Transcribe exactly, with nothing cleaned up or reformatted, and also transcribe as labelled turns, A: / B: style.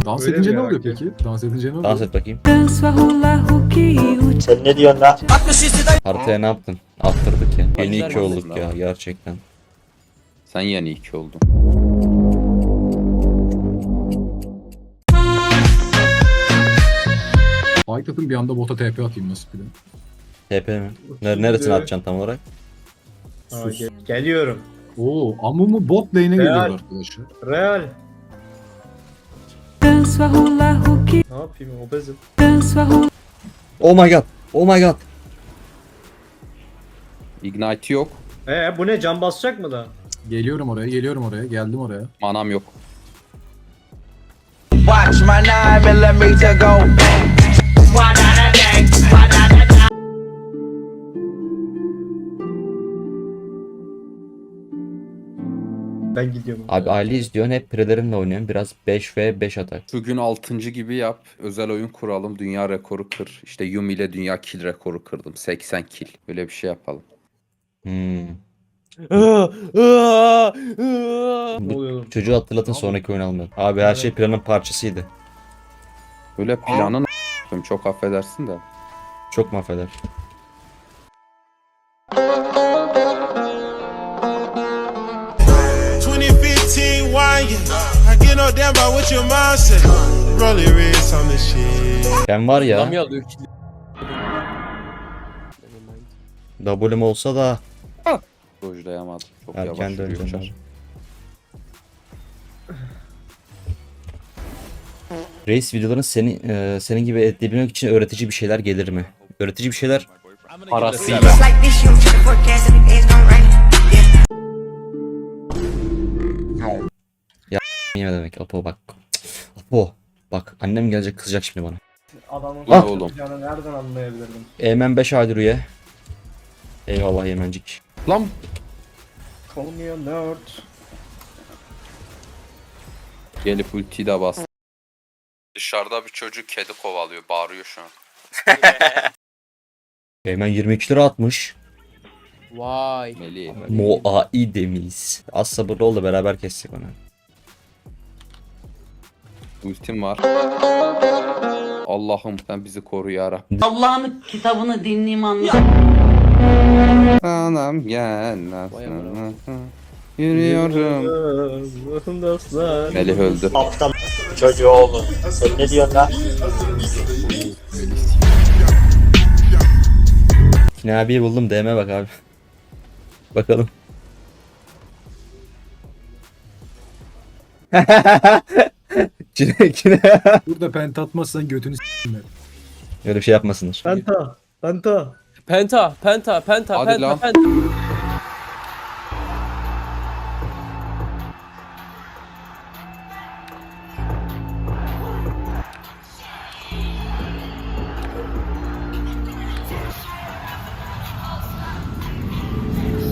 A: Dans
B: Öyle
A: edince
B: mi
A: ne
B: ya?
A: oluyor peki? Dans edince ne oluyor?
C: Dans et bakayım.
D: Sen ne diyorsun lan?
C: Haritaya ne yaptın? Attırdık ya. Yeni
E: Güzel
C: iki olduk
E: mantıklı
C: ya
E: ama.
C: gerçekten.
E: Sen yeni iki oldun.
A: Fight atın bir anda bota T P atayım nasıl bir de.
C: T P mi? Nere- Neresine atacaksın tam olarak?
B: Aa, gel- geliyorum.
A: Oo, Amumu bot lane'e geliyor
B: Real.
A: arkadaşlar.
B: Real. Ne yapayım obezim.
C: Oh my god. Oh my god.
E: Ignite yok.
B: Ee bu ne, can basacak mı da?
A: Geliyorum oraya, geliyorum oraya, geldim oraya.
E: Manam yok.
F: Watch my nine millimeter go.
B: Ben gidiyorum.
C: Abi aile izliyorsun hep prelerimle oynuyorsun. Biraz beş ve beş atak.
E: Şu gün altıncı gibi yap. Özel oyun kuralım. Dünya rekoru kır. İşte Yumi ile dünya kill rekoru kırdım. seksen kill. Böyle bir şey yapalım.
C: Hmm.
B: Ne oluyor oğlum?
C: Çocuğu hatırlatın sonraki oyun almayalım. Abi her şey planın parçasıydı.
E: Böyle planın çok affedersin de.
C: Çok mahveder.
G: twenty fifteen wine, yeah. I get no damn about what your mom said. Rolling wrist on the shit.
C: Ben var ya.
H: Adam ya alıyor ki.
C: W'm olsa da
E: Dojlayamadım. Çok
C: erken
E: yavaş yürüyor
C: döneceğim
E: çar.
C: abi. Reis videoların seni e, senin gibi edebilmek için öğretici bir şeyler gelir mi? Öğretici bir şeyler
E: Parasıyla.
F: It's like this, you check the forecast and it's gonna rain.
C: ne demek? Apo bak. Apo bak annem gelecek kızacak şimdi bana.
B: Adamın
E: Lan oğlum.
B: canı nereden anlayabilirdim?
C: Eymen beş aydır üye. Eyvallah Yemencik.
E: Lan
B: Call me a nerd.
E: gelip ultiyi de bas. Dışarıda bir çocuk kedi kovalıyor. Bağırıyor şu an.
C: Eymen yirmi iki lira atmış.
H: Vay.
E: Melih.
C: Moai demiş. Az sabırlı ol da beraber kessek onu.
E: Ultim var. Allah'ım sen bizi koru yarabbim.
I: Allah'ın kitabını dinleyeyim anla.
E: Anam gel.
H: Vay amına.
E: Yürüyorum.
B: Dostlar.
E: Melih öldü.
D: Aptal çocuğu oğlum. Sen ne diyorsun lan?
C: Kine abiyi buldum D M'ye bak abi. Bakalım. Kine kine.
A: Burada pent atmazsan götünü s**tim ben.
C: Öyle bir şey yapmasınlar.
B: Penta. Penta.
H: Penta, penta, penta,
E: Hadi
H: penta,
E: lan.
H: penta.